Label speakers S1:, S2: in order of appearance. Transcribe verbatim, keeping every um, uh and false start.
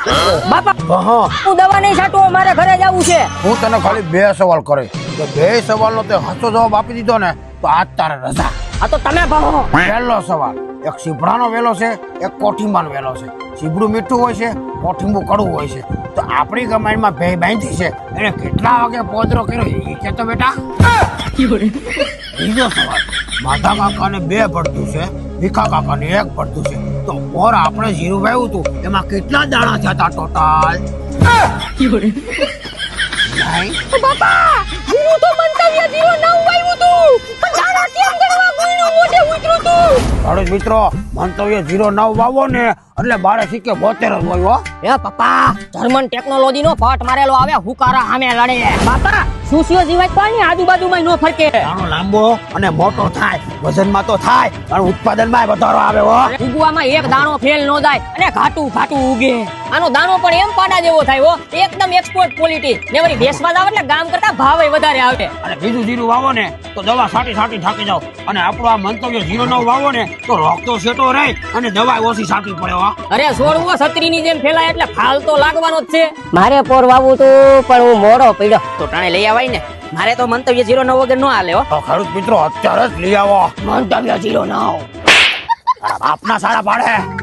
S1: બાપા
S2: હા
S1: હું દવા નહીં છાંટું, મારે ઘરે જવું છે.
S2: હું તને ખાલી બે સવાલ કરે તો બે સવાલનો તે સાચો જવાબ આપી દીધો ને તો આજ તારે રજા.
S1: આ તો તમે ભણો.
S2: પહેલો સવાલ, એક સીભડાનો વેલો છે, એક કોઠીંબાનો વેલો છે. સીભડું મીઠું હોય છે, કોઠીંબુ કડવું હોય છે. તો આપણી કમાઈમાં બે બાંધી છે, એને કેટલા વાગે પોદરો કર્યો એ કે તો બેટા. બીજો સવાલ, માધા કાકાને બે પડતું છે, ભીખા કાકાને એક પડતું છે. તો ઓર આપણે જીરું વાવ્યું હતું એમાં કેટલા દાણા થયા હતા ટોટલ? નહીં.
S1: બાપા હું તો મંતવ્ય જીરો નવ આવ્યું તું, પણ દાણા કેમ ગણવા કોઈનું મોઢે ઉતર્યું તું?
S2: ખેડૂત મિત્રો, મંતવ્ય જીરો નવ વાવો ને એટલે બારે સિક્કે બોતેર જ હોય હો.
S1: એ પપ્પા જર્મન ટેકનોલોજી નો ફટ મારેલો આવે, હુકારા સામે લડે. બાપા સુસીઓ જીવાય પાણી આજુબાજુમાં નો ફરકે.
S2: દાણો લાંબો અને મોટો થાય, વજનમાં તો થાય પણ ઉત્પાદનમાં વધારો આવે હો.
S1: ઉગવામાં એક દાણો ફેલ નો જાય અને ઘાટું ઘાટું ઉગે. આનો દાણો પણ એમ પાડા જેવો થાય હો, એકદમ એક્સપોર્ટ ક્વોલિટી. ને વળી વેચવા જાવ એટલે ગામ કરતા ભાવે વધારે આવે.
S2: અને બીજું જીરું વાવો ને તો દવા છાંટી છાંટી થાકી જાવ, અને આપણો આ મંતવ્ય જીરો નવ વાવો ને તો રોગ તો સેટો રહે અને દવા ઓછી છાંટવી પડે હો.
S1: અરે છોડવો છત્રી ની જેમ ફેલાય એટલે ફાલ તો લાગવાનો જ છે. મારે પોર વાવું તું પણ હું મોડો પડ્યો તો ટાણે લઈ આવાય ને. મારે તો મંતવ્ય જીરો નવ વગર નો હાલે હો.
S2: તો ખેડૂત મિત્રો અત્યારે જ લઈ આવો
S1: મંતવ્ય જીરો નવ.
S2: આપના સાડા પાડે.